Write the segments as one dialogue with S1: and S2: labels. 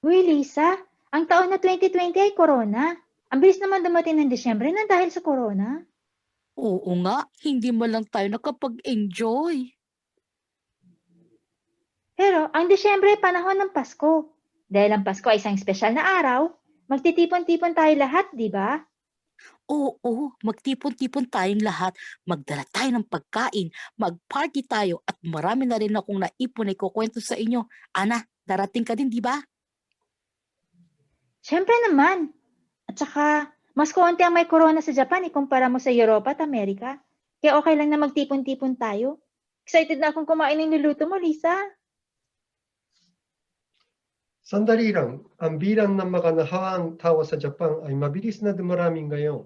S1: Uy, Lisa, ang taon na 2020 ay corona. Ang bilis naman dumating ng Disyembre na dahil sa corona.
S2: Oo nga, hindi man lang tayo nakapag-enjoy.
S1: Pero ang Disyembre ay panahon ng Pasko. Dahil ang Pasko ay isang espesyal na araw, magtitipon-tipon tayo lahat, di ba?
S2: Oo, magtipon-tipon tayong lahat, magdala tayo ng pagkain, mag-party tayo at marami na rin akong naipon na ikukwento sa inyo. Ana, darating ka din, di ba?
S1: Siyempre naman. At saka, mas konti ang may corona sa Japan ikumpara mo sa Europa at Amerika. Kaya okay lang na magtipon-tipon tayo. Excited na akong kumain ng niluto mo, Lisa.
S3: Sandali lang, ang bilang ng mga nahawaang tao sa Japan ay mabilis na dumarami ngayon.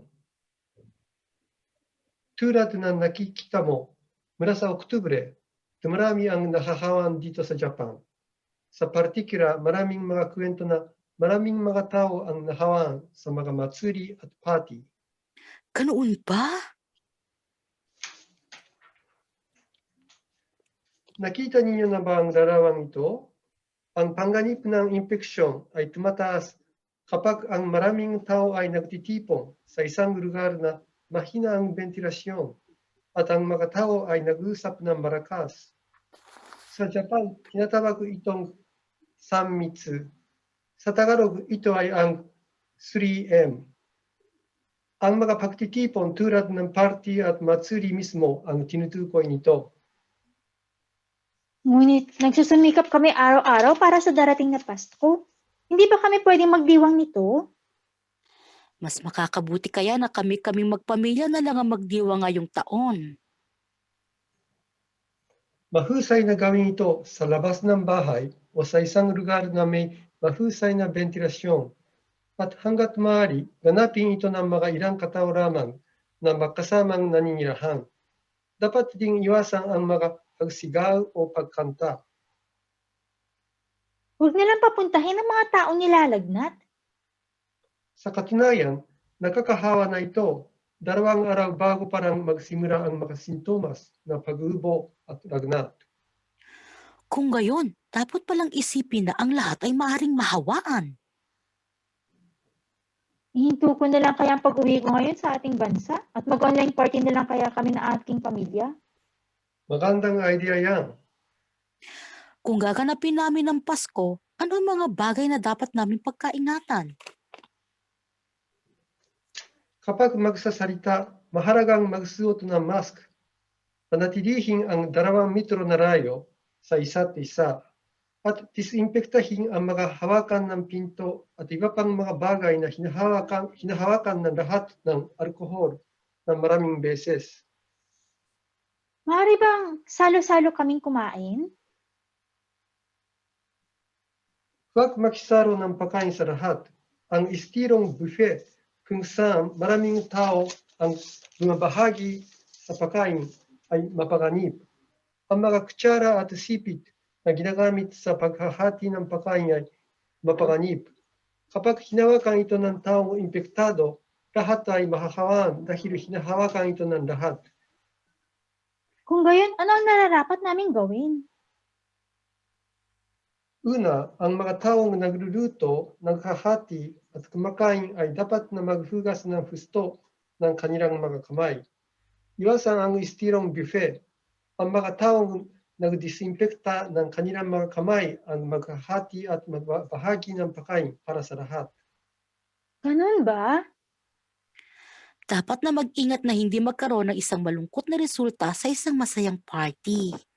S3: Tulad ng nakikita mo, mula sa Oktubre, dumarami ang nahahawaan dito sa Japan. Sa partikular, maraming mga kwento na maraming mga tao ang nahawaan sa mga matsuri at party.
S2: Ganoon ba?
S3: Nakita niyo na ba ang larawang ito? Ang panganib ng impeksyon ay tumataas kapag ang maraming tao ay nagtitipon sa isang lugar na mahina ang ventilasyon at ang mga tao ay nag-usap ng malakas. Sa Japan, tinatawag itong sanmitsu. Sa Tagalog, ito ay ang 3M. Ang mga pagtitipon tulad ng party at matsuri mismo ang tinutukoy nito.
S1: Ngunit nagsusumikap kami araw-araw para sa darating na Pasko. Hindi ba kami pwedeng magdiwang nito?
S2: Mas makakabuti kaya na kami-kaming magpamilya na lang ang magdiwa ngayong taon.
S3: Mahusay na gawin ito sa labas ng bahay o sa isang lugar na may mahusay na ventilasyon at hanggat maaari, ganapin ito ng mga ilang katao lamang na magkasamang naninirahan. Dapat ding iwasan ang mga pagsigaw o pagkanta.
S1: Huwag nilang papuntahin ang mga taong nilalagnat.
S3: Sa katunayan, nakakahawa na ito 2 araw bago parang magsimula ang mga sintomas ng pag-ubo at lagnat.
S2: Kung gayon, dapat palang isipin na ang lahat ay maaaring mahawaan.
S1: Ihinto ko na lang kaya ang pag-uwi ko ngayon sa ating bansa at mag-online party na lang kaya kami ng ating pamilya.
S3: Magandang idea yan.
S2: Kung gaganapin namin ng Pasko, ano ang mga bagay na dapat namin pagkaingatan?
S3: Kapag magsasalita, mahalagang magsuot ng mask. Panatilihing ang 2 metro na layo sa isa't isa at disimpektahin ang mga hawakan ng pinto at iba pang mga bagay na hinahawakan ng lahat ng alkohol ng maraming beses.
S1: Maaari bang salo-salo kaming kumain?
S3: Huwag makisaro ng pagkain sa lahat. Ang estilong buffet kung saan maraming tao ang bumabahagi sa pagkain ay mapanganib. Ang mga kutsara at sipit na ginagamit sa paghahati ng pagkain ay mapanganib. Kapag hinawakan ito ng taong impektado, lahat ay mahahawaan dahil hinahawakan ito ng lahat.
S1: Kung gayon, ano ang nararapat naming gawin?
S3: Una, ang mga taong nagluluto, naghahati at kumakain ay dapat na maghugas ng husto ng kanilang mga kamay. Iwasan ang estilong buffet. Ang mga taong nagdisinfekta ng kanilang mga kamay ang maghahati at magbahagi ng pagkain para sa lahat.
S1: Ganun ba?
S2: Dapat na mag-ingat na hindi magkaroon ng isang malungkot na resulta sa isang masayang party.